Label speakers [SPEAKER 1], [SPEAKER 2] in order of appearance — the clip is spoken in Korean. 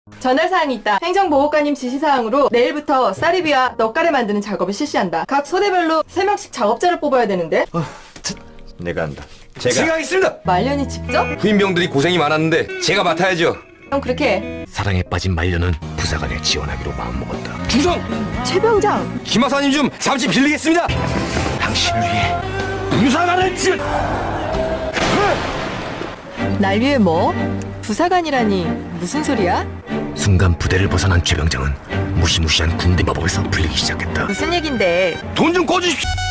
[SPEAKER 1] 전할사항이 있다. 행정보호관님 지시사항으로 내일부터 쌀이비와 넛가래 만드는 작업을 실시한다. 각 소대별로 3명씩 작업자를 뽑아야 되는데
[SPEAKER 2] 내가 한다.
[SPEAKER 3] 제가 하겠습니다.
[SPEAKER 1] 말년이 직접?
[SPEAKER 3] 후임병들이 고생이 많았는데 제가 맡아야죠.
[SPEAKER 1] 형 그렇게 해.
[SPEAKER 4] 사랑에 빠진 말년은 부사관에 지원하기로 마음먹었다.
[SPEAKER 3] 중성!
[SPEAKER 1] 최병장
[SPEAKER 3] 김하사님 좀 잠시 빌리겠습니다.
[SPEAKER 4] 당신을 위해
[SPEAKER 3] 부사관을 지...
[SPEAKER 1] 날 위해 뭐? 부사관이라니 무슨 소리야?
[SPEAKER 4] 순간 부대를 벗어난 최병장은 무시무시한 군대 마법에서 풀리기 시작했다.
[SPEAKER 1] 무슨 얘긴데?
[SPEAKER 3] 돈 좀 꺼주십시오.